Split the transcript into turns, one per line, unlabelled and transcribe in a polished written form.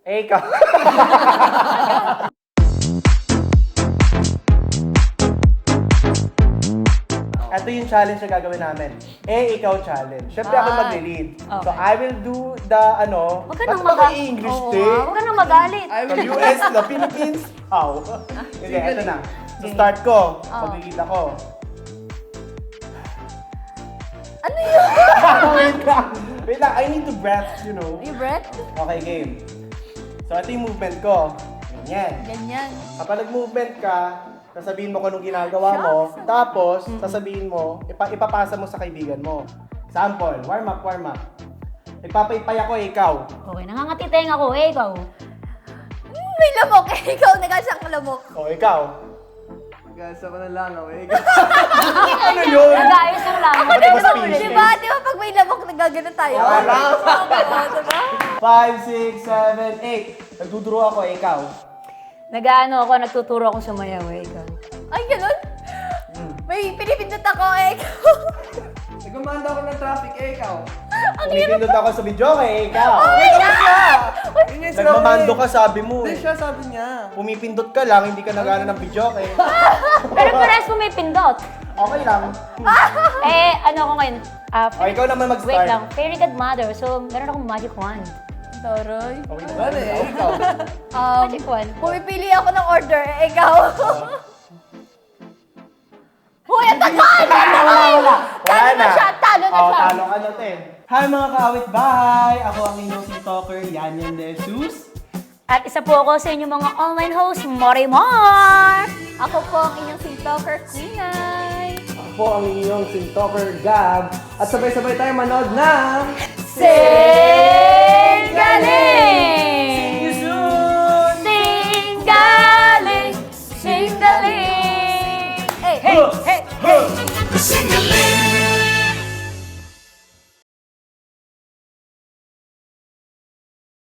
ikaw. Ito yung challenge na gagawin namin. Ikaw challenge. Siyempre ako mag-lead.
Okay.
So I will do the ano...
Huwag ka nang
ba't ba kayo English, te?
Huwag ka nang magalit.
From US, the Philippines. How? Hindi, ito na. So start ko. Mag-lead ako.
Ano yun?
Wait lang. Wait lang. I need to breath, you know.
Yung breath?
Okay, game. So ito yung movement ko. Ganyan.
Ganyan.
Kapag nag-movement ka, sasabihin mo kung anong ginagawa mo, tapos sasabihin mo, ipapasa mo sa kaibigan mo. Example, warm up. Nagpapaypay ako, ikaw.
Okay, nangangatiteng ako. Ikaw.
May lamok eh. Ikaw nagasyang lamok.
O, ikaw.
Gasa ko ng langaw eh.
Ano yun?
Nag-ayos ng lang.
Ako din ba
Di ba? Di ba pag may lamok nagaganon tayo?
Wala.
Oo, diba?
5, 6, 7, 8. Nagduduro ako, ikaw.
Nag-ano ako, nagtuturo akong sumayaw. Ikaw.
Ay, ganun? May pinipindot ako eh.
Nagmamanda ako ng traffic eh, ikaw.
Pumipindot ako sa video, ikaw.
Yun yung
Nagmamando ka, sabi mo.
Hindi siya, sabi niya.
Pumipindot ka lang, hindi ka nagana ng video,
Pero parehas pumipindot.
Okay lang.
Ano ako ngayon?
O, ikaw naman mag-start.
Wait lang. Fairy godmother. So, meron akong magic wand.
Toroy.
Okay na.
Ano eh, ikaw.
Magic wand.
Pumipili ako ng order eh. Ikaw. Hoy, ang tagal!
Wala.
Talo na siya, talo na siya.
Talo ka na, te. Hi mga kaawit-bahay! Ako ang inyong si Talker, Yanyan De Jesus.
At isa po ako sa inyong mga online host, Morimar!
Ako po ang inyong sintalker, Queenay.
Ako po ang inyong sintalker, Gab. At sabay-sabay tayo manood ng...
Sing galing!
See you soon!
Sing galing! Sing galing! Hey, hey, hey, hey!
Sing a